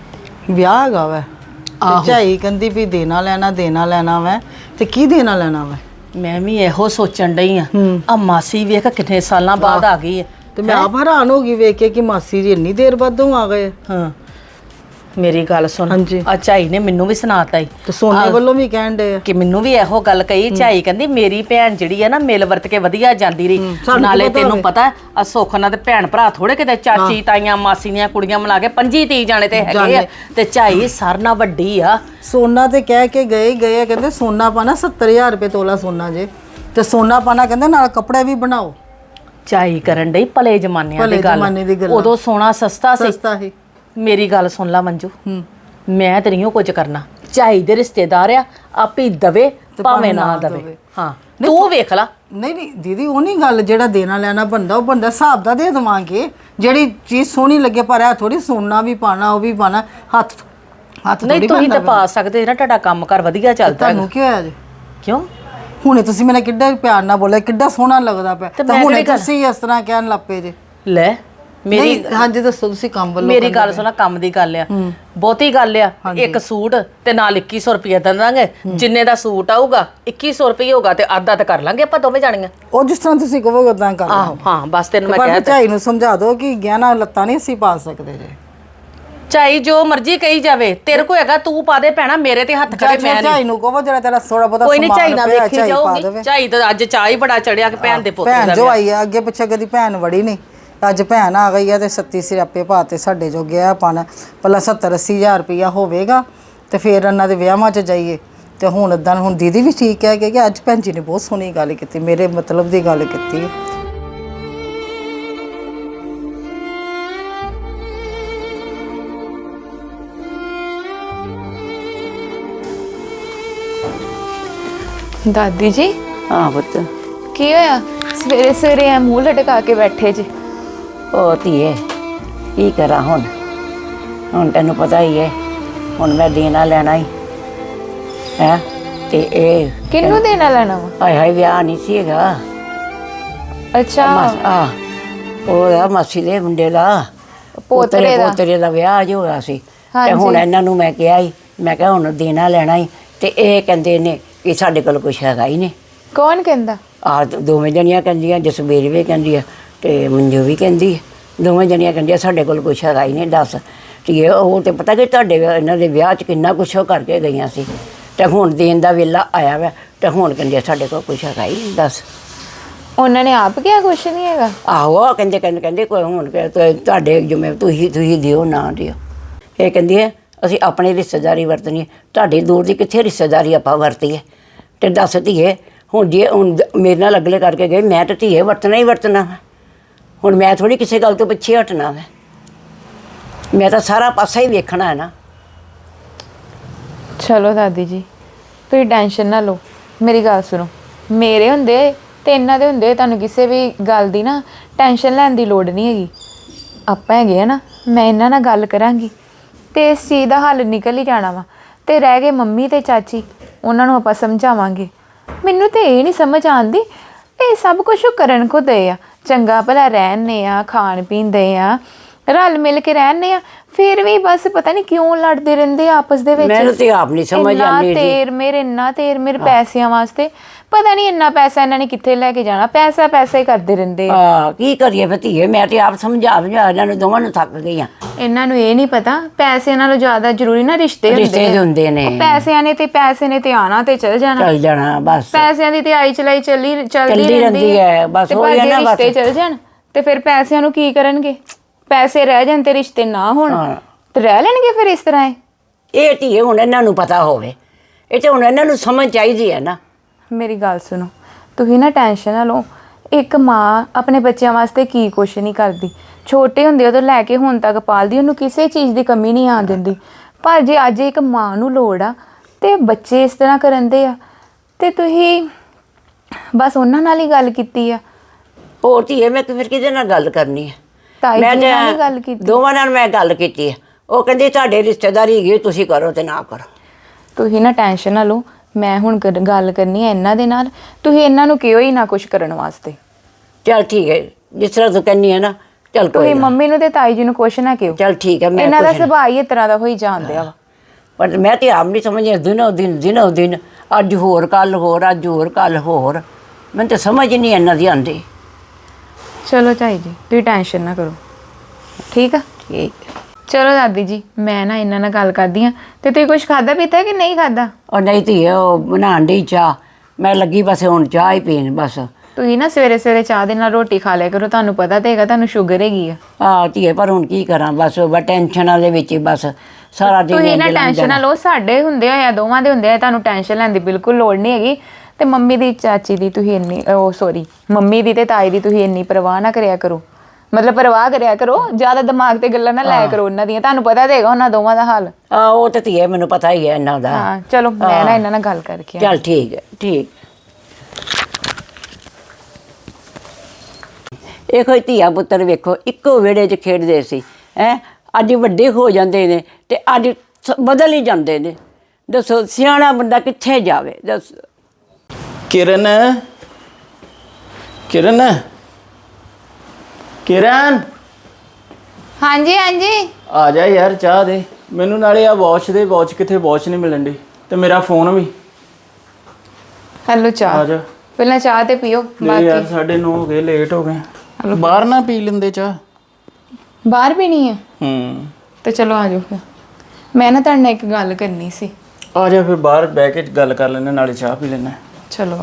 A: ਵਿਆਹ ਹੈਗਾ ਵੈ ਤੇ ਝਾਈ ਕਹਿੰਦੀ ਵੀ ਦੇਣਾ ਲੈਣਾ ਦੇਣਾ ਲੈਣਾ ਵੈ ਤੇ ਕੀ ਦੇਣਾ ਲੈਣਾ ਵੈ।
B: ਮੈਂ ਵੀ ਇਹੋ ਸੋਚਣ ਡਈ ਆ ਆ ਮਾਸੀ ਵੇਖ ਕਿੰਨੇ ਸਾਲਾਂ ਬਾਅਦ ਆ ਗਈ ਹੈ
A: ਤੇ ਮੈਂ ਆਪ ਹੈਰਾਨ ਹੋ ਗਈ ਵੇਖ ਕੇ ਕਿ ਮਾਸੀ ਜੀ ਇੰਨੀ ਦੇਰ ਬਾਅਦੋਂ ਆ ਗਏ।
B: ਹਾਂ ਮੇਰੀ ਗੱਲ ਸੁਣ
A: ਹਾਂਜੀ।
B: ਆ ਝਾਈ ਨੇ ਮੈਨੂੰ ਵੀ ਸੁਣਾਤਾ ਈ
A: ਤੇ ਸੋਨੇ ਵੱਲੋਂ ਵੀ ਕਹਿਣ ਡੇ ਆ
B: ਕਿ ਮੈਨੂੰ ਵੀ ਇਹੋ ਗੱਲ ਕਹੀ ਝਾਈ ਕਹਿੰਦੀ ਮੇਰੀ ਭੈਣ ਜਿਹੜੀ ਆ ਨਾ ਮਿਲ ਵਰਤ ਕੇ ਵਧੀਆ ਜਾਂਦੀ ਰਹੀ
A: ਸਾਨੂੰ
B: ਨਾਲੇ
A: ਪਤਾ
B: ਤੈਨੂੰ
A: ਹੋਵੇ।
B: ਪਤਾ ਆ ਸੁੱਖ ਨਾਲ ਤੇ ਭੈਣ ਭਰਾ ਥੋੜੇ ਕਿਤੇ ਚਾਚੀ ਤਾਈਆਂ ਮਾਸੀ ਦੀਆਂ ਕੁੜੀਆਂ ਮਿਲਾ ਕੇ ਪੰਜੀ ਤੀ ਜਾਣੇ ਤੇ ਹੈਗੇ ਆ
A: ਜਾਣੇ।
B: ਤੇ ਝਾਈ ਸਰਨਾ ਵੱਡੀ ਆ
A: ਸੋਨਾ ਤੇ ਕਹਿ ਕੇ ਗਏ ਹੀ ਗਏ ਆ, ਕਹਿੰਦੇ ਸੋਨਾ ਪਾਣਾ ਸੱਤਰ ਹਜ਼ਾਰ ਰੁਪਏ ਤੋਲਾ ਸੋਨਾ ਜੇ ਤੇ ਸੋਨਾ ਪਾਣਾ ਕਹਿੰਦੇ ਨਾਲ ਕੱਪੜੇ ਵੀ ਬਣਾਓ।
B: ਝਾਈ ਕਰਨ ਡਈ ਭਲੇ ਜਮਾਨਿਆਂ
A: ਭਲੇ
B: ਦੀ ਗੱਲ
A: ਜ਼ਮਾਨੇ ਦੀ ਗੱਲਾਂ।
B: ਉਦੋਂ ਸੋਨਾ ਸਸਤਾ ਸੀ
A: ਸਸਤਾ ਹੀ।
B: ਮੇਰੀ ਗੱਲ ਸੁਣ ਲਾ ਮੰਜੂ
A: ਹੂੰ
B: ਮੈਂ ਤੇ ਨਹੀਂ ਉਹ ਕੁਝ ਕਰਨਾ ਝਾਈ ਦੇ ਰਿਸ਼ਤੇਦਾਰ ਆ ਆਪੇ ਦਵੇ ਭਾਵੇਂ ਨਾ ਦਵੇ ਹਾਂ ਤੂੰ ਵੇਖ ਲਾ
A: ਨਹੀਂ ਨਹੀਂ ਦੀਦੀ ਉਹ ਨਹੀਂ ਗੱਲ ਜਿਹੜਾ ਦੇਣਾ ਲੈਣਾ ਬੰਦਾ ਉਹ ਬੰਦਾ ਹਿਸਾਬ ਦਾ ਦੇ ਦੇਵਾਂਗੇ ਜਿਹੜੀ ਚੀਜ਼ ਸੋਹਣੀ ਲੱਗੇ ਪਰ ਇਹ ਥੋੜੀ ਸੋਨਾ ਵੀ ਪਾਣਾ ਉਹ ਵੀ ਪਾਣਾ ਹੱਥ ਹੱਥ
B: ਨਹੀਂ
A: ਥੋੜੀ
B: ਤੁਸੀਂ ਤਾਂ ਪਾ ਸਕਦੇ ਨਾ ਤੁਹਾਡਾ ਕੰਮ ਕਰ ਵਧੀਆ ਚੱਲਦਾ ਹੈਗਾ।
A: ਤੁਹਾਨੂੰ ਕੀ ਹੋਇਆ ਜੀ
B: ਕਿਉਂ
A: ਹੁਣੇ ਤੁਸੀਂ ਮੈਨੂੰ ਕਿੱਡਾ ਪਿਆਰ ਨਾਲ ਬੋਲਿਆ ਕਿੱਡਾ ਸੋਹਣਾ ਲੱਗਦਾ ਪਿਆ
B: ਤੇ
A: ਤਾਂ
B: ਮੈਂ
A: ਹੁਣੇ
B: ਕਿਹੜੀ ਗੱਲ-
A: ਤੁਸੀਂ ਇਸ ਤਰ੍ਹਾਂ ਕਹਿਣ ਲੱਪੇ ਜੇ
B: ਲੈ ਮੇਰੀ
A: ਨਹੀਂ ਹਾਂਜੀ ਦੱਸੋ ਤੁਸੀਂ ਕੰਮ ਵੱਲੋਂ
B: ਮੇਰੀ ਗੱਲ ਸੁਣਾ ਕੰਮ ਦੀ ਗੱਲ ਆ ਬਹੁਤੀ ਗੱਲ ਆ ਇੱਕ ਸੂਟ ਤੇ ਨਾਲ ਇੱਕੀ ਸੌ ਰੁਪਏ ਦੇ ਦਾਂਗੇ ਜਿੰਨੇ ਦਾ ਸੂਟ ਆਊਗਾ ਇੱਕੀ ਸੌ ਰੁਪਏ ਹੋਗਾ ਤੇ ਅੱਧਾ ਤਾਂ ਕਰ ਲਾਂਗੇ ਆਪਾਂ ਦੋਵੇਂ ਜਾਣੀਆਂ
A: ਉਹ ਜਿਸ ਤਰ੍ਹਾਂ ਤੁਸੀਂ ਕਹੋਗੇ ਉਦਾਂ ਕਰ
B: ਆਹੋ ਹਾਂ ਬਸ ਤੈਨੂੰ ਮੈਂ
A: ਪਰ
B: ਕਹਿ
A: ਝਾਈ ਨੂੰ ਸਮਝਾ ਦਿਓ ਕਿ ਗਹਿਣਾ ਲੱਤਾਂ ਨਹੀਂ ਅਸੀਂ ਪਾ ਸਕਦੇ ਜੇ
B: ਚਾਈ ਜੋ ਮਰਜ਼ੀ ਕਹੀ ਜਾਵੇ ਤੇਰੇ ਕੋ ਹੈਗਾ ਤੂੰ ਪਾ ਦੇ ਭੈਣਾ ਮੇਰੇ ਤੇ ਹੱਥ ਖੜੇ ਮੈਂ
A: ਝਾਈ ਨੂੰ ਕਹੋ ਜਿਹੜਾ ਤੇਰਾ ਥੋੜਾ ਬਹੁਤਾ
B: ਕੋਈ ਨਹੀਂ
A: ਸਮਾਨ
B: ਝਾਈ ਨਾ
A: ਪਿਆ,
B: ਵੇਖੀ
A: ਝਾਈ ਪਾ
B: ਜਾਊਗੀ
A: ਦੇਵੇ।
B: ਝਾਈ ਤਾਂ ਅੱਜ ਚਾਹ ਹੀ ਬੜਾ ਚੜਿਆ ਕਿ ਭੈਣ ਦੇ ਪੁੱਤ
A: ਭੈਣ
B: ਦਾ
A: ਜੋ
B: ਵਿਆਹ।
A: ਆਈ ਆ ਅੱਗੇ ਪਿੱਛੇ ਕਦੀ ਭੈਣ ਵੜੀ ਨਹੀਂ ਅੱਜ ਭੈਣ ਆ ਗਈ ਆ ਤੇ ਸੱਤੀ ਸਿਆਪੇ ਪਾਤੇ ਸਾਡੇ ਜੋ ਗਿਆ ਪਾਣਾ ਪਹਿਲਾਂ ਸੱਤਰ ਅੱਸੀ ਹਜ਼ਾਰ ਰੁਪਇਆ ਹੋਵੇਗਾ ਤੇ ਫਿਰ ਇਹਨਾਂ ਦੇ ਵਿਆਹਾਂ 'ਚ ਜਾਈਏ ਤੇ ਹੁਣ ਇਦਾਂ ਹੁਣ ਦੀਦੀ ਵੀ ਠੀਕ ਹੈ ਕਿ ਅੱਜ ਭੈਣ ਜੀ ਨੇ ਬਹੁਤ ਸੋਹਣੀ ਗੱਲ ਕੀਤੀ ਮੇਰੇ ਮਤਲਬ ਦੀ ਗੱਲ ਕੀਤੀ
E: ਦਾਦੀ ਜੀ
D: ਹਾਂ ਪੁੱਤ
E: ਕੀ ਹੋਇਆ ਸਵੇਰੇ ਸਵੇਰੇ ਐ ਮੂੰਹ ਲਟਕਾ ਕੇ ਬੈਠੇ ਜੀ।
D: ਉਹ ਧੀਏ ਕੀ ਕਰਾਂ ਹੁਣ ਹੁਣ ਤੈਨੂੰ ਪਤਾ ਹੀ ਹੈ ਹੁਣ ਮੈਂ ਦੇਣਾ ਲੈਣਾ ਹੀ ਹੈ ਤੇ ਇਹ
E: ਕਿਹਨੂੰ ਦੇਣਾ ਲੈਣਾ ਵਾ?
D: ਹਾਏ ਹਾਏ ਵਿਆਹ ਨਹੀਂ ਸੀ ਹੈਗਾ
E: ਅੱਛਾ
D: ਆ ਉਹ ਆ ਮਾਸੀ ਦੇ ਮੁੰਡੇ ਦਾ
E: ਪੋਤਰੇ ਦਾ।
D: ਪੋਤਰੇ ਦਾ ਵਿਆਹ ਜੋ ਹੋਇਆ ਸੀ ਤੇ
E: ਹਾਂਜੀ।
D: ਹੁਣ ਇਹਨਾਂ ਨੂੰ ਮੈਂ ਕਿਹਾ ਹੀ ਮੈਂ ਕਿਹਾ ਹੁਣ ਦੇਣਾ ਲੈਣਾ ਹੀ ਤੇ ਇਹ ਕਹਿੰਦੇ ਨੇ ਕਿ ਸਾਡੇ ਕੋਲ ਕੁਛ ਹੈਗਾ ਹੀ ਨਹੀਂ
E: ਕੌਣ ਕਹਿੰਦਾ?
D: ਆ ਦੋਵੇਂ ਜਣੀਆਂ ਕਹਿੰਦੀਆਂ ਜਸਬੀਰ ਵੀ ਕਹਿੰਦੀ ਆ ਤੇ ਮੰਜੂ ਵੀ ਕਹਿੰਦੀ ਆ ਦੋਵੇਂ ਜਣੀਆਂ ਕਹਿੰਦੀਆਂ ਸਾਡੇ ਕੋਲ ਕੁਛ ਹੈਗਾ ਹੀ ਨਹੀਂ ਦੱਸ ਤੇ ਉਹ ਤੇ ਪਤਾ ਕਿ ਤੁਹਾਡੇ ਇਹਨਾਂ ਦੇ ਵਿਆਹ 'ਚ ਕਿੰਨਾ ਕੁਛ ਉਹ ਕਰਕੇ ਗਈਆਂ ਸੀ ਤੇ ਹੁਣ ਦੇਣ ਦਾ ਵੇਲਾ ਆਇਆ ਵਾ ਤੇ ਹੁਣ ਕਹਿੰਦੇ ਸਾਡੇ ਕੋਲ ਕੁਛ ਹੈਗਾ ਹੀ ਨਹੀਂ ਦੱਸ
E: ਉਹਨਾਂ ਨੇ ਆਪ ਕਿਹਾ ਕੁਛ ਨਹੀਂ ਹੈਗਾ?
D: ਆਹੋ ਉਹ ਕਹਿੰਦੇ ਕਹਿੰਦੇ ਕਹਿੰਦੇ ਕੋਈ ਹੁਣ ਕਿ ਤੁ- ਤੁਹਾਡੇ ਜਿਵੇਂ ਤੁਸੀਂ ਤੁਸੀਂ ਦਿਓ ਨਾ ਦਿਓ ਇਹ ਕਹਿੰਦੀ ਹੈ ਅਸੀਂ ਆਪਣੀ ਰਿਸ਼ਤੇਦਾਰੀ ਵਰਤਣੀ ਹੈ ਤੁਹਾਡੀ ਦੂਰ ਦੀ ਕਿੱਥੇ ਰਿਸ਼ਤੇਦਾਰੀ ਆਪਾਂ ਵਰਤੀਏ ਤੇ ਦੱਸ ਧੀਏ ਹੁਣ ਜੇ ਹੁਣ ਮੇਰੇ ਨਾਲ ਅਗਲੇ ਕਰਕੇ ਗਏ ਮੈਂ ਤਾਂ ਧੀਏ ਵਰਤਣਾ ਹੀ ਵਰਤਣਾ ਵਾ ਹੁਣ ਮੈਂ ਥੋੜੀ ਕਿਸੇ ਗੱਲ ਤੋਂ ਪਿੱਛੇ ਹਟਣਾ ਵਾ ਮੈਂ ਤਾਂ ਸਾਰਾ ਪਾਸਾ ਹੀ ਵੇਖਣਾ ਹੈ ਨਾ
E: ਚਲੋ ਦਾਦੀ ਜੀ ਤੁਸੀਂ ਟੈਨਸ਼ਨ ਨਾ ਲਓ ਮੇਰੀ ਗੱਲ ਸੁਣੋ ਮੇਰੇ ਹੁੰਦੇ ਤੇ ਇਹਨਾਂ ਦੇ ਹੁੰਦੇ ਤੁਹਾਨੂੰ ਕਿਸੇ ਵੀ ਗੱਲ ਦੀ ਨਾ ਟੈਨਸ਼ਨ ਲੈਣ ਦੀ ਲੋੜ ਨਹੀਂ ਹੈਗੀ। ਆਪਾਂ ਹੈਗੇ ਆ ਨਾ ਮੈਂ ਇਹਨਾਂ ਨਾਲ ਗੱਲ ਕਰਾਂਗੀ ਤੇ ਇਸ ਚੀਜ਼ ਦਾ ਹੱਲ ਨਿਕਲ ਹੀ ਜਾਣਾ ਵਾ ਤੇ ਰਹਿ ਗਏ ਮੰਮੀ ਤੇ ਚਾਚੀ ਉਹਨਾਂ ਨੂੰ ਆਪਾਂ ਸਮਝਾਵਾਂਗੇ। ਮੈਨੂੰ ਤੇ ਇਹ ਨਹੀਂ ਸਮਝ ਆਉਂਦੀ ਇਹ ਸਭ ਕੁਝ ਕਰਨ ਕੋ ਦੇ ਆ ਚੰਗਾ ਭਲਾ ਰਹਿਣੇ ਆ ਖਾਣ ਪੀਣ ਦੇ ਆ ਰਲ ਮਿਲ ਕੇ ਰਹਿਣੇ ਆ ਫਿਰ ਵੀ ਬਸ ਪਤਾ ਨਹੀਂ ਕਿਉਂ ਲੜਦੇ ਰਹਿੰਦੇ ਆ ਆਪਸ ਦੇ ਵਿੱਚ।
D: ਮੈਨੂੰ ਤੇ ਆਪ ਨਹੀਂ ਸਮਝ
E: ਇੰਨਾ
D: ਆਉਂਦੀ ਜੀ।
E: ਤੇਰ ਮੇਰੇ ਇੰਨਾ ਤੇਰ ਮੇਰੇ ਪੈਸਿਆਂ ਵਾਸਤੇ ਪਤਾ ਨਹੀਂ ਇੰਨਾ ਪੈਸਾ ਇਹਨਾਂ ਨੇ ਕਿੱਥੇ ਲੈ ਕੇ ਜਾਣਾ ਪੈਸਾ ਪੈਸਾ ਹੀ ਕਰਦੇ ਰਹਿੰਦੇ ਆ।
D: ਆ ਕੀ ਕਰੀਏ ਫਿਰ ਧੀਏ ਮੈਂ ਤੇ ਆਪ ਸਮਝਾ ਸਮਝਾ ਇਹਨਾਂ ਨੂੰ ਦੋਵਾਂ ਨੂੰ ਥੱਕ ਗਈ ਆ
E: ਇਹਨਾਂ ਨੂੰ ਇਹ ਨਹੀਂ ਪਤਾ ਪੈਸੇ ਨਾਲੋਂ ਜ਼ਿਆਦਾ ਜ਼ਰੂਰੀ ਨਾ ਰਿਸ਼ਤੇ
D: ਰਿਸ਼ਤੇ
E: ਹੁੰਦੇ
D: ਦੇ
E: ਆ।
D: ਹੁੰਦੇ ਨੇ
E: ਉਹ ਪੈਸਿਆਂ ਨੇ ਤੇ ਪੈਸੇ ਨੇ ਤੇ ਆਣਾ ਤੇ ਚਲ ਜਾਣਾ
D: ਚੱਲ ਜਾਣਾ ਬਸ
E: ਪੈਸਿਆਂ ਦੀ ਤੇ ਆਈ ਚਲਾਈ ਚੱਲੀ ਚੱਲਦੀ
D: ਚੱਲਦੀ ਰਹਿੰਦੀ ਹੈ, ਬਸ
E: ਤੇ
D: ਹੋ
E: ਪਰ ਜੇ
D: ਜਾਣਾ ਬਸ।
E: ਰਿਸ਼ਤੇ ਚਲ ਜਾਣ ਤੇ ਫਿਰ ਪੈਸਿਆਂ ਨੂੰ ਕੀ ਕਰਨਗੇ ਪੈਸੇ ਰਹਿ ਜਾਣ ਤੇ ਰਿਸ਼ਤੇ ਨਾ ਹੋਣ
D: ਹਾਂ।
E: ਤੇ ਰਹਿ ਲੈਣਗੇ ਫਿਰ ਇਸ ਤਰ੍ਹਾਂ ਇਹ
D: ਇਹ ਧੀਏ ਹੁਣ ਇਹਨਾਂ ਨੂੰ ਪਤਾ ਹੋਵੇ ਇਹ ਤੇ ਹੁਣ ਇਹਨਾਂ ਨੂੰ ਸਮਝ ਚਾਹੀਦੀ ਹੈ ਨਾ
E: ਮੇਰੀ ਗੱਲ ਸੁਣੋ ਤੁਸੀਂ ਨਾ ਟੈਨਸ਼ਨ ਨਾ ਲਓ ਇੱਕ ਮਾਂ ਆਪਣੇ ਬੱਚਿਆਂ ਵਾਸਤੇ ਕੀ ਕੁਛ ਨਹੀਂ ਕਰਦੀ ਛੋਟੇ ਹੁੰਦੇ ਉਦੋਂ ਲੈ ਕੇ ਹੁਣ ਤੱਕ ਪਾਲਦੀ ਉਹਨੂੰ ਕਿਸੇ ਚੀਜ਼ ਦੀ ਕਮੀ ਨਹੀਂ ਆਉਣ ਦਿੰਦੀ ਪਰ ਜੇ ਅੱਜ ਇੱਕ ਮਾਂ ਨੂੰ ਲੋੜ ਆ ਤੇ ਬੱਚੇ ਇਸ ਤਰ੍ਹਾਂ ਕਰਨ ਦੇ ਆ ਤੇ ਤੁਸੀਂ ਬਸ ਉਹਨਾਂ ਨਾਲ ਹੀ ਗੱਲ ਕੀਤੀ ਆ
D: ਹੋਰ ਧੀਏ ਮੈਂ ਫਿਰ ਕਿਹਦੇ ਨਾਲ ਗੱਲ ਕਰਨੀ ਹੈ
E: ਤਾਈ
D: ਮੈਂ
E: ਜੀ
D: ਤੇ
E: ਨਾਲ ਹੀ ਗੱਲ ਕੀਤੀ
D: ਦੋਵਾਂ ਨਾਲ ਮੈਂ ਗੱਲ ਕੀਤੀ ਹੈ ਉਹ ਕਹਿੰਦੇ ਤੁਹਾਡੇ ਰਿਸ਼ਤੇਦਾਰੀ ਹੈਗੀ ਤੁਸੀਂ ਕਰੋ ਤੇ ਨਾ ਕਰੋ
E: ਤੁਸੀਂ ਨਾ ਟੈਨਸ਼ਨ ਨਾ ਲਓ ਮੈਂ ਹੁਣ ਕਰ- ਗੱਲ ਕਰਨੀ ਹੈ ਇਹਨਾਂ ਦੇ ਨਾਲ ਤੁਸੀਂ ਇਹਨਾਂ ਨੂੰ ਕਿਉਂ ਹੀ ਨਾ ਕੁਝ ਕਰਨ ਵਾਸਤੇ
D: ਚਲ ਠੀਕ ਹੈ ਜਿਸ ਤਰ੍ਹਾਂ ਤੂੰ ਕਹਿੰਦੀ ਹੈ ਨਾ ਚੱਲ ਕੋਈ
E: ਤੁਸੀਂ
D: ਨਾ।
E: ਮੰਮੀ ਨੂੰ ਤੇ ਤਾਈ ਜੀ ਨੂੰ ਕੁਛ ਨਾ ਕਿਉ।
D: ਚੱਲ ਠੀਕ ਹੈ ਮੈਂ
E: ਇਹਨਾਂ ਦਾ
D: ਕੁਛ ਨੀ-
E: ਸੁਭਾਅ ਹੀ ਇਸ ਤਰ੍ਹਾਂ ਦਾ ਹੋਈ ਜਾਂਦਿਆ ਵਾ।
D: ਪਰ ਮੈਂ ਤੇ ਆਪ ਨਹੀਂ ਸਮਝਿਆ ਦਿਨੋਂ ਦਿਨ ਦਿਨੋਂ ਦਿਨ ਅੱਜ ਹੋਰ ਕੱਲ ਹੋਰ ਅੱਜ ਹੋਰ ਕੱਲ ਹੋਰ ਮੈਨੂੰ ਤਾਂ ਸਮਝ ਨਹੀਂ ਇਹਨਾਂ ਦੀ ਆਉਂਦੀ।
E: ਚਲੋ ਤਾਈ ਜੀ ਤੁਸੀਂ ਟੈਨਸ਼ਨ ਨਾ ਕਰੋ, ਠੀਕ ਆ।
D: ਠੀਕ
E: ਚਲੋ ਦਾਦੀ ਜੀ ਮੈਂ ਨਾ ਇਹਨਾਂ ਨਾਲ ਗੱਲ ਕਰਦੀ ਆ। ਤੇ ਤੁਸੀਂ ਕੁਝ ਖਾਦਾ ਪੀਤਾ ਕਿ ਨਹੀਂ ਖਾਦਾ?
D: ਉਹ ਨਹੀਂ ਧੀਏ ਉਹ ਬਣਾਉਣ ਡਈ ਚਾਹ, ਮੈਂ ਲੱਗੀ ਬਸ ਹੁਣ ਚਾਹ ਹੀ ਪੀਣ ਬਸ।
E: ਤੁਸੀਂ ਨਾ ਸਵੇਰੇ ਸਵੇਰੇ ਚਾਹ ਦੇ ਨਾਲ ਰੋਟੀ ਖਾ ਲਿਆ ਕਰੋ, ਤੁਹਾਨੂੰ ਪਤਾ ਤੇ ਹੈਗਾ ਤੁਹਾਨੂੰ ਸ਼ੂਗਰ ਹੈਗੀ ਆ।
D: ਆਹ ਧੀਏ ਪਰ ਹੁਣ ਕੀ ਕਰਾਂ ਬਸ ਬਸ ਟੈਨਸ਼ਨਾਂ ਦੇ ਵਿੱਚ ਹੀ ਬਸ ਸਾਰਾ ਦਿਨ
E: ਤੁਸੀਂ ਨਾ
D: ਇੰਝ ਲੰਘ
E: ਟੈਨਸ਼ਨ ਨਾ
D: ਜਾਣਾ।
E: ਲਓ, ਸਾਡੇ ਹੁੰਦੇ ਆ ਦੋਵਾਂ ਦੇ ਹੁੰਦੇ ਆ, ਤੁਹਾਨੂੰ ਟੈਨਸ਼ਨ ਲੈਣ ਦੀ ਬਿਲਕੁਲ ਲੋੜ ਨਹੀਂ ਹੈਗੀ। ਤੇ ਮੰਮੀ ਦੀ ਚਾਚੀ ਦੀ ਤੁਸੀਂ ਇੰਨੀ ਉਹ ਸੌਰੀ ਮੰਮੀ ਦੀ ਤੇ ਤਾਈ ਦੀ ਤੁਸੀਂ ਇੰਨੀ ਪਰਵਾਹ ਨਾ ਕਰਿਆ ਕਰੋ, ਮਤਲਬ ਪਰਵਾਹ ਕਰਿਆ ਕਰੋ, ਜ਼ਿਆਦਾ ਦਿਮਾਗ ਤੇ ਗੱਲਾਂ ਨਾ ਲਾਇਆ ਕਰੋ ਉਹਨਾਂ ਦੀਆਂ, ਤੁਹਾਨੂੰ ਪਤਾ ਤੇ ਹੈਗਾ ਉਹਨਾਂ ਦੋਵਾਂ ਦਾ ਹਾਲ।
D: ਆਹ ਉਹ ਤੇ ਧੀਏ ਮੈਨੂੰ ਪਤਾ ਹੀ ਹੈ ਇਹਨਾਂ ਦਾ।
E: ਹਾਂ ਚਲੋ ਮੈਂ ਨਾ ਇਹਨਾਂ ਨਾਲ ਗੱਲ ਕਰਕੇ ਆਉਂਦੀ।
D: ਚੱਲ ਠੀਕ ਹੈ ਠੀਕ। ਇਹ ਕੋਈ ਧੀਆ ਪੁੱਤਰ ਵੇਖੋ ਇੱਕੋ ਵਿਹੜੇ 'ਚ ਖੇਡਦੇ ਸੀ ਹੈ, ਅੱਜ ਵੱਡੇ ਹੋ ਜਾਂਦੇ ਨੇ ਤੇ ਅੱਜ ਸ- ਬਦਲ ਹੀ ਜਾਂਦੇ ਨੇ। ਦੱਸੋ ਸਿਆਣਾ ਬੰਦਾ ਕਿੱਥੇ ਜਾਵੇ ਦੱਸ।
F: ਕਿਰਨ ਕਿਰਨ ਕਿਰਨ
E: ਹਾਂਜੀ ਹਾਂਜੀ
F: ਆ ਜਾ ਯਾਰ ਚਾਹ ਦੇ ਮੈਨੂੰ, ਨਾਲੇ ਆ ਵਾਚ ਦੇ, ਵਾਚ ਕਿੱਥੇ, ਵਾਚ ਨਹੀਂ ਮਿਲਣ ਦੀ, ਤੇ ਮੇਰਾ ਫੋਨ ਵੀ।
E: ਹੈਲੋ
F: ਆ
E: ਚਾਹ
F: ਜਾ
E: ਪਹਿਲਾਂ ਚਾਹ ਤੇ ਪੀਓ,
F: ਨਹੀਂ ਯਾਰ
E: ਬਾਕੀ
F: ਸਾਢੇ ਨੌ ਹੋ ਗਏ, ਲੇਟ ਹੋ ਗਏ। ਬਾਹਰ ਨਾ ਪੀ ਲੈਂਦੇ ਚਾਹ।
E: ਬਾਹਰ ਪੀਣੀ ਹੈ
F: ਹੂੰ
E: ਤੇ ਚਲੋ ਆ ਜਾਓ ਫਿਰ। ਮੈਂ ਨਾ ਤੁਹਾਡੇ ਨਾਲ ਇੱਕ ਗੱਲ ਕਰਨੀ ਸੀ।
F: ਆ ਜਾ ਫਿਰ ਬਾਹਰ ਬਹਿ ਕੇ ਗੱਲ ਕਰ ਲੈਂਦੇ, ਨਾਲੇ ਚਾਹ ਪੀ ਲੈਂਦੇ।
E: ਚਲੋ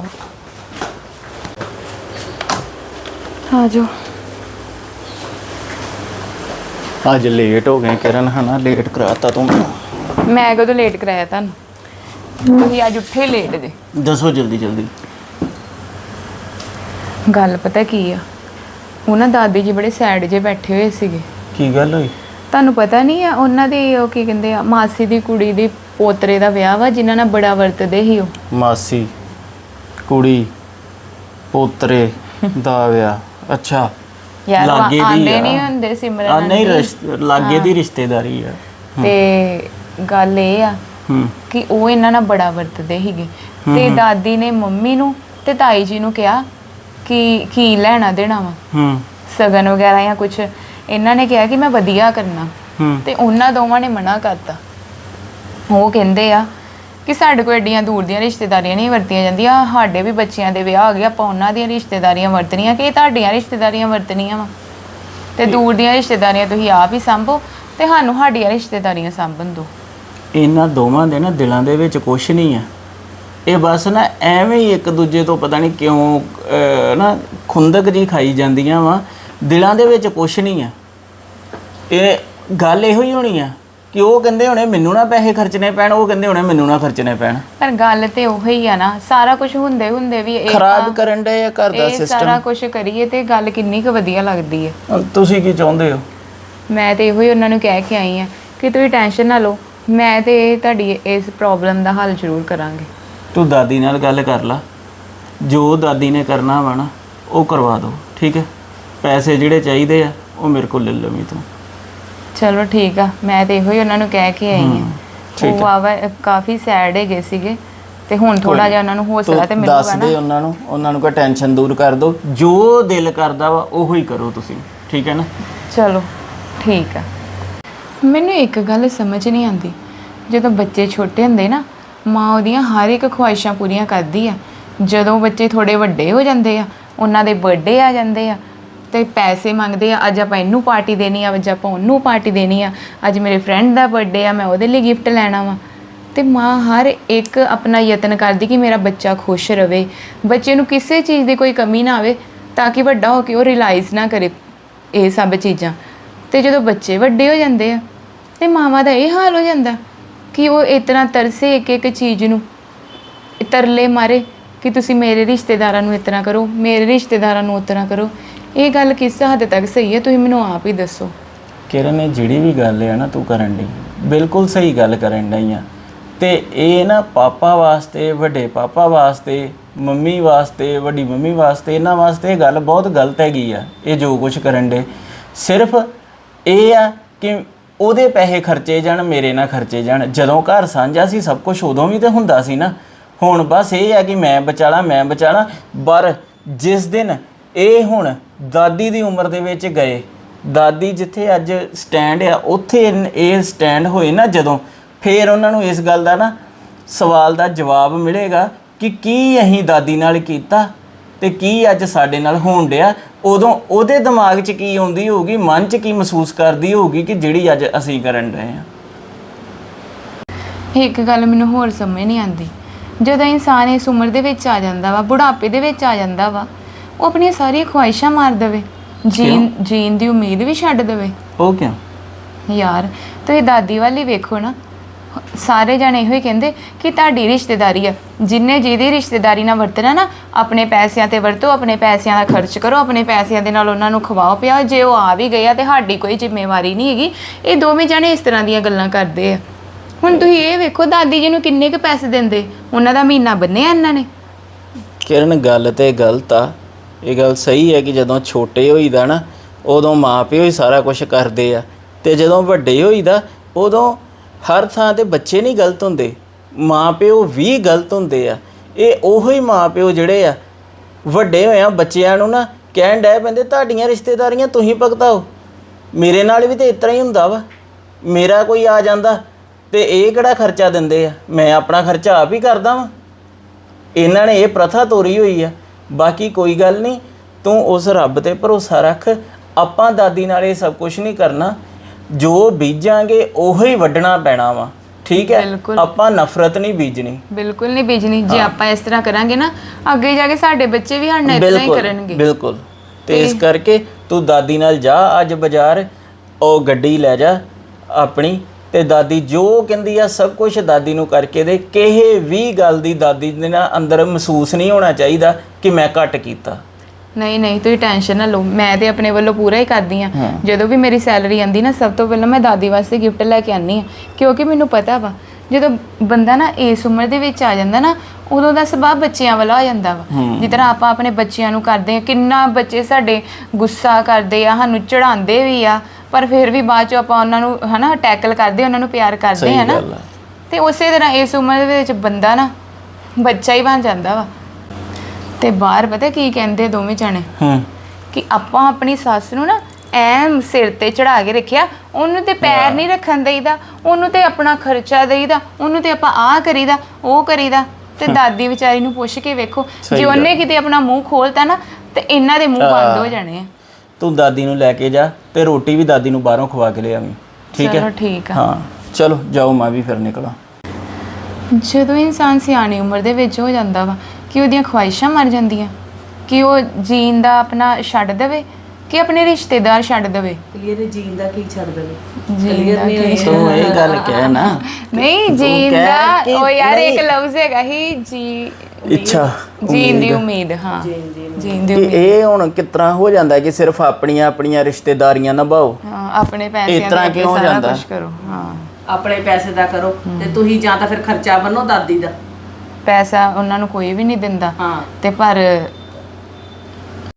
E: ਆ ਜਾਓ।
F: ਅੱਜ ਲੇਟ ਹੋ ਗਏ ਕਿਰਨ, ਹਨਾ ਲੇਟ ਕਰਾਤਾ ਤੂੰ ਮੈਨੂੰ।
E: ਮੈਂ ਕਦੋਂ ਲੇਟ ਕਰਾਇਆ ਤੁਹਾਨੂੰ? ਤੁਸੀਂ ਅੱਜ ਉੱਠੇ ਲੇਟ ਜੇ।
F: ਦੱਸੋ ਜਲਦੀ ਜਲਦੀ।
E: ਗੱਲ ਪਤਾ ਕੀ ਆ, ਉਹ ਨਾ ਦਾਦੀ ਜੀ ਬੜੇ ਸੈਡ ਜੇ ਬੈਠੇ ਹੋਏ ਸੀਗੇ।
F: ਕੀ ਗੱਲ ਹੋਈ?
E: ਤੁਹਾਨੂੰ ਪਤਾ ਨਹੀਂ ਆ ਉਹਨਾਂ ਦੀ ਉਹ ਕੀ ਕਹਿੰਦੇ ਆ, ਮਾਸੀ ਦੀ ਕੁੜੀ ਦੀ ਪੋਤਰੇ ਦਾ ਵਿਆਹ ਵਾ, ਜਿਨ੍ਹਾਂ ਨਾਲ ਬੜਾ ਵਰਤਦੇ ਸੀ ਉਹ।
F: ਮਾਸੀ ਕੁੜੀ ਪੋਤਰੇ ਦਾ ਵਿਆਹ? ਅੱਛਾ
E: ਯਾਰ
F: ਲਾਗੇ ਦੀ
E: ਆਂਦੇ
F: ਆ।
E: ਨਹੀਂ ਹੁੰਦੇ
F: ਆ
E: ਸਿਮਰਨ
F: ਨਹੀਂ
E: ਆਂਟੀ।
F: ਰਿਸ਼ਤੇ ਲਾਗੇ ਦੀ ਰਿਸ਼ਤੇਦਾਰੀ ਆ।
E: ਤੇ ਗੱਲ ਇਹ ਆ
F: ਹੂੰ
E: ਕਿ ਉਹ ਇਹਨਾਂ ਨਾਲ ਬੜਾ ਵਰਤਦੇ ਸੀਗੇ। ਤੇ ਦਾਦੀ ਨੇ ਮੰਮੀ ਨੂੰ ਤੇ ਤਾਈ ਜੀ ਨੂੰ ਕਿਹਾ ਕਿ ਕੀ ਲੈਣਾ ਦੇਣਾ ਵਾ,
F: ਹੂੰ
E: ਸਗਨ ਵਗੈਰਾ ਜਾਂ ਕੁਝ। ਇਹਨਾਂ ਨੇ ਕਿਹਾ ਕਿ ਮੈਂ ਵਧੀਆ ਕਰਨਾ,
F: ਹੂੰ
E: ਤੇ ਉਹਨਾਂ ਦੋਵਾਂ ਨੇ ਮਨਾ ਕਰਤਾ। ਉਹ ਕਹਿੰਦੇ ਆ ਕਿ ਸਾਡੇ ਕੋਲ ਐਡੀਆਂ ਦੂਰ ਦੀਆਂ ਰਿਸ਼ਤੇਦਾਰੀਆਂ ਨਹੀਂ ਵਰਤੀਆਂ ਜਾਂਦੀਆਂ, ਸਾਡੇ ਵੀ ਬੱਚਿਆਂ ਦੇ ਵਿਆਹ ਆ ਗਏ, ਆਪਾਂ ਉਹਨਾਂ ਦੀਆਂ ਰਿਸ਼ਤੇਦਾਰੀਆਂ ਵਰਤਣੀਆਂ ਕਿ ਤੁਹਾਡੀਆਂ ਰਿਸ਼ਤੇਦਾਰੀਆਂ ਵਰਤਣੀਆਂ ਵਾ। ਤੇ ਦੂਰ ਦੀਆਂ ਰਿਸ਼ਤੇਦਾਰੀਆਂ ਤੁਸੀਂ ਆਪ ਹੀ ਸੰਭੋ ਤੇ ਸਾਨੂੰ ਸਾਡੀਆਂ ਰਿਸ਼ਤੇਦਾਰੀਆਂ ਸੰਭਣ ਦਿਓ।
F: ਇਹਨਾਂ ਦੋਵਾਂ ਦੇ ਨਾ ਦਿਲਾਂ ਦੇ ਵਿੱਚ ਕੁਛ ਨਹੀਂ ਆ। ਇਹ ਬਸ ਨਾ ਐਵੇਂ ਹੀ ਇੱਕ ਦੂਜੇ ਤੋਂ ਪਤਾ ਨਹੀਂ ਕਿਉਂ ਅਹ, ਨਾ ਖੁੰਦਕ ਜੀ ਖਾਈ ਜਾਂਦੀਆਂ ਵਾ। ਦਿਲਾਂ ਦੇ ਵਿੱਚ ਕੁਛ ਨਹੀਂ ਆ। ਇਹ ਗੱਲ ਇਹੋ ਹੀ ਹੋਣੀ ਆ ਕਿ ਉਹ ਕਹਿੰਦੇ ਹੋਣੇ ਮੈਨੂੰ ਨਾ ਪੈਸੇ ਖਰਚਣੇ ਪੈਣ, ਉਹ ਕਹਿੰਦੇ ਹੋਣੇ ਮੈਨੂੰ ਨਾ ਖਰਚਣੇ ਪੈਣ।
E: ਪਰ ਗੱਲ ਤੇ ਉਹੀ ਆ ਨਾ, ਸਾਰਾ ਕੁਝ ਹੁੰਦੇ ਹੁੰਦੇ ਵੀ ਇਹ
F: ਖਰਾਬ
E: ਤਾਂ-
F: ਕਰਨ ਦੇ ਆ ਘਰ ਦਾ
E: ਇਹ ਸਾਰਾ
F: ਸਿਸਟਮ।
E: ਕੁਝ ਕਰੀਏ ਤੇ ਗੱਲ ਕਿੰਨੀ ਕੁ ਵਧੀਆ ਲੱਗਦੀ ਹੈ।
F: ਤੁਸੀਂ ਕੀ ਚਾਹੁੰਦੇ ਹੋ?
E: ਮੈਂ ਤੇ ਇਹੋ ਹੀ ਉਹਨਾਂ ਨੂੰ ਕਹਿ ਕੇ ਆਈ ਆ ਕਿ ਤੁਸੀਂ ਟੈਨਸ਼ਨ ਨਾ ਲਓ, ਮੈਂ ਤੇ ਤੁਹਾਡੀ ਇਸ ਪ੍ਰੋਬਲਮ ਦਾ ਹੱਲ ਜ਼ਰੂਰ ਕਰਾਂਗੇ।
F: ਤੂੰ ਦਾਦੀ ਨਾਲ ਗੱਲ ਕਰ ਲਾ, ਜੋ ਦਾਦੀ ਨੇ ਕਰਨਾ ਵਾ ਨਾ ਉਹ ਕਰਵਾ ਦਿਓ, ਠੀਕ ਹੈ? ਪੈਸੇ ਜਿਹੜੇ ਚਾਹੀਦੇ ਆ ਉਹ ਮੇਰੇ ਕੋਲ ਲੈ ਲਵੀਂ ਤੂੰ।
E: ਚਲੋ ਠੀਕ ਆ, ਮੈਂ ਤੇ ਇਹੋ ਹੀ ਉਹਨਾਂ ਨੂੰ ਕਹਿ ਕੇ ਆਈ ਆ।
F: ਠੀਕ
E: ਉਹ ਵਾਵਾ ਕਾਫੀ ਸੈਡ ਹੈਗੇ ਸੀਗੇ ਤੇ ਹੁਣ ਥੋੜਾ ਜਿਹਾ ਉਹਨਾਂ ਨੂੰ ਹੌਸਲਾ ਤੇ
F: ਤੂੰ
E: ਮਿਲੂਗਾ
F: ਦੱਸ
E: ਨਾ।
F: ਦੇ ਉਹਨਾਂ ਨੂੰ, ਉਹਨਾਂ ਨੂੰ ਕੋਈ ਟੈਨਸ਼ਨ ਦੂਰ ਕਰ ਦਿਓ, ਜੋ ਦਿਲ ਕਰਦਾ ਵਾ ਉਹੋ ਹੀ ਕਰੋ ਤੁਸੀਂ, ਠੀਕ ਹੈ ਨਾ?
E: ਚਲੋ ਠੀਕ ਆ। ਮੈਨੂੰ ਇੱਕ ਗੱਲ ਸਮਝ ਨਹੀਂ ਆਉਂਦੀ, ਜਦੋਂ ਬੱਚੇ ਛੋਟੇ ਹੁੰਦੇ ਨਾ ਮਾਂ ਉਹਦੀਆਂ ਹਰ ਇੱਕ ਖੁਆਇਸ਼ਾਂ ਪੂਰੀਆਂ ਕਰਦੀ ਆ। ਜਦੋਂ ਬੱਚੇ ਥੋੜੇ ਵੱਡੇ ਹੋ ਜਾਂਦੇ ਆ, ਉਹਨਾਂ ਦੇ ਬਰਥਡੇ ਆ ਜਾਂਦੇ ਆ ਤੇ ਪੈਸੇ ਮੰਗਦੇ ਆ, ਅੱਜ ਆਪਾਂ ਇਹਨੂੰ ਪਾਰਟੀ ਦੇਣੀ ਆ, ਅੱਜ ਆਪਾਂ ਉਹਨੂੰ ਪਾਰਟੀ ਦੇਣੀ ਆ, ਅੱਜ ਮੇਰੇ ਫਰੈਂਡ ਦਾ ਬਰਥਡੇ ਆ, ਮੈਂ ਉਹਦੇ ਲਈ ਗਿਫਟ ਲੈਣਾ ਵਾ। ਤੇ ਮਾਂ ਹਰ ਇੱਕ ਆਪਣਾ ਯਤਨ ਕਰਦੀ ਕਿ ਮੇਰਾ ਬੱਚਾ ਖੁਸ਼ ਰਵੇ, ਬੱਚੇ ਨੂੰ ਕਿਸੇ ਚੀਜ਼ ਦੀ ਕੋਈ ਕਮੀ ਨਾ ਆਵੇ, ਤਾਂ ਕਿ ਵੱਡਾ ਹੋ ਕੇ ਉਹ ਰਿਅਲਾਈਜ਼ ਨਾ ਕਰੇ ਇਹ ਸਭ ਚੀਜ਼ਾਂ। ਤੇ ਜਦੋਂ ਬੱਚੇ ਵੱਡੇ ਹੋ ਜਾਂਦੇ ਆ ਤੇ ਮਾਵਾਂ ਦਾ ਇਹ ਹਾਲ ਹੋ ਜਾਂਦਾ ਕਿ ਉਹ ਇਤਨਾ ਤਰਸੇ ਇੱਕ ਇੱਕ ਚੀਜ਼ ਨੂੰ, ਤਰਲੇ ਮਾਰੇ ਕਿ ਤੁਸੀਂ ਮੇਰੇ ਰਿਸ਼ਤੇਦਾਰਾਂ ਨੂੰ ਇਤਨਾ ਕਰੋ, ਮੇਰੇ ਰਿਸ਼ਤੇਦਾਰਾਂ ਨੂੰ ਉਤਨਾ ਕਰੋ। ਇਹ ਗੱਲ ਕਿਸ ਹੱਦ ਤੱਕ ਸਹੀ ਹੈ, ਤੁਸੀਂ ਮੈਨੂੰ ਆਪ ਹੀ ਦੱਸੋ।
F: ਕਿਰਨ ਇਹ ਜਿਹੜੀ ਵੀ ਗੱਲ ਹੈ ਨਾ ਤੂੰ ਕਰਨ ਦੀ ਬਿਲਕੁਲ ਸਹੀ ਗੱਲ ਕਰਨ ਡਈ ਆ। ਤੇ ਇਹ ਨਾ ਪਾਪਾ ਵਾਸਤੇ, ਵੱਡੇ ਪਾਪਾ ਵਾਸਤੇ, ਮੰਮੀ ਵਾਸਤੇ, ਵੱਡੀ ਮੰਮੀ ਵਾਸਤੇ, ਇਹਨਾਂ ਵਾਸਤੇ ਇਹ ਗੱਲ ਬਹੁਤ ਗਲਤ ਹੈਗੀ ਆ। ਇਹ ਜੋ ਕੁਝ ਕਰਨ ਦੇ ਸਿਰਫ ਇਹ ਆ ਕਿ ਉਹਦੇ ਪੈਸੇ ਖਰਚੇ ਜਾਣ, ਮੇਰੇ ਨਾਲ ਖਰਚੇ ਜਾਣ। ਜਦੋਂ ਘਰ ਸਾਂਝਾ ਸੀ ਸਭ ਕੁਝ ਉਦੋਂ ਵੀ ਤਾਂ ਹੁੰਦਾ ਸੀ ਨਾ। ਹੁਣ ਬਸ ਇਹ ਆ ਕਿ ਮੈਂ ਬਚਾਲਾ ਮੈਂ ਬਚਾਲਾ। ਪਰ ਜਿਸ ਦਿਨ ਇਹ ਹੁਣ ਦਾਦੀ ਦੀ ਉਮਰ ਦੇ ਵਿੱਚ ਗਏ, ਦਾਦੀ ਜਿੱਥੇ ਅੱਜ ਸਟੈਂਡ ਆ ਉੱਥੇ ਇਨ- ਇਹ ਸਟੈਂਡ ਹੋਏ ਨਾ ਜਦੋਂ, ਫਿਰ ਉਹਨਾਂ ਨੂੰ ਇਸ ਗੱਲ ਦਾ ਨਾ ਸਵਾਲ ਦਾ ਜਵਾਬ ਮਿਲੇਗਾ ਕਿ ਕੀ ਅਸੀਂ ਦਾਦੀ ਨਾਲ ਕੀਤਾ ਤੇ ਕੀ ਅੱਜ ਸਾਡੇ ਨਾਲ ਹੋਣ ਡਿਆ। ਉਦੋਂ ਉਹਦੇ ਦਿਮਾਗ 'ਚ ਕੀ ਆਉਂਦੀ ਹੋਊਗੀ, ਮਨ 'ਚ ਕੀ ਮਹਿਸੂਸ ਕਰਦੀ ਹੋਊਗੀ ਕਿ ਜਿਹੜੀ ਅੱਜ ਅਸੀਂ ਕਰਨ ਰਹੇ ਹਾਂ।
E: ਇੱਕ ਗੱਲ ਮੈਨੂੰ ਹੋਰ ਸਮਝ ਨਹੀਂ ਆਉਂਦੀ, ਜਦੋਂ ਇਨਸਾਨ ਇਸ ਉਮਰ ਦੇ ਵਿੱਚ ਆ ਜਾਂਦਾ ਵਾ, ਬੁਢਾਪੇ ਦੇ ਵਿੱਚ ਆ ਜਾਂਦਾ ਵਾ, ਉਹ ਆਪਣੀਆਂ ਸਾਰੀਆਂ ਖੁਆਇਸ਼ਾਂ ਮਾਰ ਦੇਵੇ, ਜੀਣ ਜੀਣ ਦੀ ਉਮੀਦ ਵੀ ਛੱਡ ਦੇਵੇ।
F: ਉਹ ਕਿਉਂ?
E: ਯਾਰ ਤੁਸੀਂ ਦਾਦੀ ਵਾਲੀ ਵੇਖੋ ਨਾ, ਸਾਰੇ ਜਣੇ ਇਹੋ ਹੀ ਕਹਿੰਦੇ ਕਿ ਤੁਹਾਡੀ ਰਿਸ਼ਤੇਦਾਰੀ ਆ, ਜਿੰਨੇ ਜਿਹਦੀ ਰਿਸ਼ਤੇਦਾਰੀ ਨਾਲ ਵਰਤਣਾ ਨਾ, ਆਪਣੇ ਪੈਸਿਆਂ ਤੇ ਵਰਤੋ, ਆਪਣੇ ਪੈਸਿਆਂ ਦਾ ਖਰਚ ਕਰੋ, ਆਪਣੇ ਪੈਸਿਆਂ ਦੇ ਨਾਲ ਉਹਨਾਂ ਨੂੰ ਖਵਾਓ ਪਿਆਓ। ਜੇ ਉਹ ਆ ਵੀ ਗਿਆ ਤੇ ਸਾਡੀ ਕੋਈ ਜ਼ਿੰਮੇਵਾਰੀ ਨਹੀਂ ਹੈਗੀ। ਇਹ ਦੋਵੇਂ ਜਣੇ ਇਸ ਤਰ੍ਹਾਂ ਦੀਆਂ ਗੱਲਾਂ ਕਰਦੇ ਆ। ਹੁਣ ਤੁਸੀਂ ਇਹ ਵੇਖੋ ਦਾਦੀ ਜੀ ਨੂੰ ਕਿੰਨੇ ਕੁ ਪੈਸੇ ਦਿੰਦੇ, ਉਹਨਾਂ ਦਾ ਮਹੀਨਾ ਬੰਨਿਆ ਇਹਨਾਂ ਨੇ।
F: ਕਿਰਨ ਗੱਲ ਤੇ ਗਲਤ ਆ, ਇਹ ਗੱਲ ਸਹੀ ਹੈ ਕਿ ਜਦੋਂ ਛੋਟੇ ਹੋਈਦਾ ਨਾ ਉਦੋਂ ਮਾਂ ਪਿਓ ਹੀ ਸਾਰਾ ਕੁਝ ਕਰਦੇ ਆ, ਤੇ ਜਦੋਂ ਵੱਡੇ ਹੋਈਦਾ ਉਦੋਂ ਹਰ ਥਾਂ ਤੇ ਬੱਚੇ ਨਹੀਂ ਗਲਤ ਹੁੰਦੇ, ਮਾਂ ਪਿਓ ਵੀ ਗਲਤ ਹੁੰਦੇ ਆ। ਇਹ ਉਹੋ ਹੀ ਮਾਂ ਪਿਓ ਜਿਹੜੇ ਆ ਵੱਡੇ ਹੋਇਆ ਬੱਚਿਆਂ ਨੂੰ ਨਾ ਕਹਿਣ ਡੈ ਪੈਂਦੇ ਤੁਹਾਡੀਆਂ ਰਿਸ਼ਤੇਦਾਰੀਆਂ ਤੁਸੀਂ ਭੁਗਤਾਓ। ਮੇਰੇ ਨਾਲ ਵੀ ਤੇ ਇਸ ਤਰ੍ਹਾਂ ਹੀ ਹੁੰਦਾ ਵਾ, ਮੇਰਾ ਕੋਈ ਆ ਜਾਂਦਾ ਤੇ ਇਹ ਕਿਹੜਾ ਖਰਚਾ ਦਿੰਦੇ ਆ, ਮੈਂ ਆਪਣਾ ਖਰਚਾ ਆਪ ਹੀ ਕਰਦਾ ਵਾਂ। ਇਹਨਾਂ ਨੇ ਇਹ ਪ੍ਰਥਾ ਤੋਰੀ ਹੋਈ ਆ। ਬਾਕੀ ਕੋਈ ਗੱਲ ਨਹੀਂ, ਤੂੰ ਉਸ ਰੱਬ ਤੇ ਭਰੋਸਾ ਰੱਖ। ਆਪਾਂ ਦਾਦੀ ਨਾਲ ਇਹ ਸਭ ਕੁਝ ਨਹੀਂ ਕਰਨਾ, ਜੋ ਬੀਜਾਂਗੇ ਉਹੋ ਹੀ ਵੱਢਣਾ ਪੈਣਾ ਵਾ, ਠੀਕ ਹੈ? ਆਪਾਂ ਨਫ਼ਰਤ ਨਹੀਂ ਬੀਜਣੀ,
E: ਬਿਲਕੁਲ ਨਹੀਂ ਬੀਜਣੀ। ਜੇ ਆਪਾਂ ਇਸ ਤਰ੍ਹਾਂ ਕਰਾਂਗੇ ਨਾ, ਅੱਗੇ ਜਾ ਕੇ ਸਾਡੇ ਬੱਚੇ ਵੀ ਸਾਡੇ ਨਾਲ ਇਸ ਤਰ੍ਹਾਂ ਹੀ ਕਰਨਗੇ।
F: ਬਿਲਕੁਲ। ਤੇ ਇਸ ਕਰਕੇ ਤੂੰ ਦਾਦੀ ਨਾਲ ਜਾ ਅੱਜ ਬਾਜ਼ਾਰ, ਉਹ ਗੱਡੀ ਲੈ ਜਾ ਆਪਣੀ, ਤੇ ਦਾਦੀ ਜੋ ਕਹਿੰਦੀ ਆ ਸਭ ਕੁਝ ਦਾਦੀ ਨੂੰ ਕਰਕੇ ਦੇ। ਕਿਸੇ ਵੀ ਗੱਲ ਦੀ ਦਾਦੀ ਦੇ ਨਾਲ ਅੰਦਰ ਮਹਿਸੂਸ ਨਹੀਂ ਹੋਣਾ ਚਾਹੀਦਾ ਕਿ ਮੈਂ ਘੱਟ ਕੀਤਾ।
E: ਨਹੀਂ ਨਹੀਂ ਤੁਸੀਂ ਟੈਨਸ਼ਨ ਨਾ ਲਓ, ਮੈਂ ਤੇ ਆਪਣੇ ਵੱਲੋਂ ਪੂਰਾ ਹੀ ਕਰਦੀ ਆ। ਜਦੋਂ ਵੀ ਮੇਰੀ ਸੈਲਰੀ ਆਂਦੀ ਨਾ, ਸਭ ਤੋਂ ਪਹਿਲਾਂ ਮੈਂ ਦਾਦੀ ਵਾਸਤੇ ਗਿਫਟ ਲੈ ਕੇ ਆਨੀ ਆ, ਕਿਉਂਕਿ ਮੈਨੂੰ ਪਤਾ ਵਾ ਜਦੋਂ ਬੰਦਾ ਨਾ ਇਸ ਉਮਰ ਦੇ ਵਿੱਚ ਆ ਜਾਂਦਾ ਨਾ, ਉਦੋਂ ਦਾ ਸੁਭਾਅ ਬੱਚਿਆਂ ਵਾਲਾ ਹੋ ਜਾਂਦਾ ਵਾ। ਜਿਸ ਤਰ੍ਹਾਂ ਆਪਾਂ ਆਪਣੇ ਬੱਚਿਆਂ ਨੂੰ ਕਰਦੇ ਆ, ਕਿੰਨਾ ਬੱਚੇ ਸਾਡੇ ਗੁੱਸਾ ਕਰਦੇ ਆ, ਸਾਨੂੰ ਚੜਾਉਂਦੇ ਵੀ ਆ, ਪਰ ਫਿਰ ਵੀ ਬਾਅਦ 'ਚ ਆਪਾਂ ਉਹਨਾਂ ਨੂੰ ਹਨਾ ਟੈਕਲ ਕਰਦੇ, ਉਹਨਾਂ ਨੂੰ ਪਿਆਰ ਕਰਦੇ ਆ ਨਾ। ਤੇ ਉਸੇ ਤਰ੍ਹਾਂ ਇਸ ਉਮਰ ਦੇ ਵਿੱਚ ਬੰਦਾ ਨਾ ਬੱਚਾ ਹੀ ਬਣ ਜਾਂਦਾ ਵਾ। ਤੇ ਬਾਹਰ ਪਤਾ ਕੀ ਕਹਿੰਦੇ ਦੋਵੇਂ ਜਾਣੇ, ਕਿ ਆਪਾਂ ਆਪਣੀ ਸੱਸ ਨੂੰ ਨਾ ਐਮ ਸਿਰ ਤੇ ਚੜਾ ਕੇ ਰੱਖਿਆ, ਉਹਨੂੰ ਤੇ ਪੈਰ ਨਹੀਂ ਰੱਖਣ ਦੇਈਦਾ, ਉਹਨੂੰ ਤੇ ਆਪਣਾ ਖਰਚਾ ਦੇਈਦਾ, ਉਹਨੂੰ ਤੇ ਆਪਾਂ ਆਹ ਕਰੀਦਾ ਉਹ ਕਰੀਦਾ। ਤੇ ਦਾਦੀ ਵਿਚਾਰੀ ਨੂੰ ਪੁੱਛ ਕੇ ਵੇਖੋ, ਜੇ ਉਹਨੇ ਕਿਤੇ ਆਪਣਾ ਮੂੰਹ ਖੋਲਤਾ ਨਾ ਤੇ ਇਹਨਾਂ ਦੇ ਮੂੰਹ ਬੰਦ ਹੋ ਜਾਣੇ ਆ।
F: ਤੂੰ ਦਾਦੀ ਨੂੰ ਲੈ ਕੇ ਜਾ ਤੇ ਰੋਟੀ ਵੀ ਦਾਦੀ ਨੂੰ ਬਾਹਰੋਂ ਖਵਾ ਕੇ ਲਿਆਵੀਂ, ਠੀਕ ਹੈ?
E: ਚਲੋ ਠੀਕ ਆ।
F: ਹਾਂ ਚਲੋ ਜਾਓ, ਮੈਂ ਵੀ ਫਿਰ ਨਿਕਲਾਂ।
E: ਜਦੋਂ ਇਨਸਾਨ ਸਿਆਣੀ ਉਮਰ ਦੇ ਵਿੱਚ ਹੋ ਜਾਂਦਾ ਵਾ, ਕਿ ਉਹਦੀਆਂ ਖੁਆਇਸ਼ਾਂ ਮਰ ਜਾਂਦੀਆਂ, ਕਿ ਉਹ ਜੀਣ ਦਾ ਆਪਣਾ ਛੱਡ ਦੇਵੇ, ਕਿ ਆਪਣੇ ਰਿਸ਼ਤੇਦਾਰ ਛੱਡ ਦੇਵੇ।
B: ਕਲੀਅਰ ਜੀਣ ਦਾ ਕੀ ਛੱਡ ਦੇਵੇ?
E: ਜੀਣ ਦਾ ਕੀ
F: ਤੂੰ ਇਹ ਗੱਲ ਕਹਿ ਨਾ,
E: ਨਹੀਂ ਜੀਣ ਦਾ, ਉਹ ਯਾਰ ਇੱਕ ਲਫ਼ਜ਼ ਹੈਗਾ ਹੀ, ਜੀ
F: ਇੱਛਾ,
E: ਜੀਣ ਦੀ ਉਮੀਦ। ਹਾਂ ਜੀਣ ਦੀ
F: ਕਿ
E: ਉਮੀਦ।
F: ਇਹ ਹੁਣ ਕਿਸ ਤਰ੍ਹਾਂ ਹੋ ਜਾਂਦਾ ਕਿ ਸਿਰਫ ਆਪਣੀਆਂ ਆਪਣੀਆਂ ਰਿਸ਼ਤੇਦਾਰੀਆਂ ਨਿਭਾਓ,
E: ਹਾਂ ਆਪਣੇ ਪੈਸਿਆਂ
F: ਇਸ ਤਰ੍ਹਾਂ
E: ਦੇ
F: ਕਿਉਂ
E: ਸਾਰਾ
F: ਜਾਂਦਾ?
E: ਕੁਛ ਕਰੋ। ਹਾਂ
B: ਆਪਣੇ ਪੈਸੇ ਦਾ ਕਰੋ, ਤੇ ਤੁਸੀਂ ਜਾਂ ਤਾਂ ਫਿਰ ਖਰਚਾ ਬੰਨੋ ਦਾਦੀ ਦਾ।
E: ਪੈਸਾ ਉਹਨਾਂ ਨੂੰ ਕੋਈ ਵੀ ਨਹੀਂ ਦਿੰਦਾ,
B: ਹਾਂ।
E: ਤੇ ਪਰ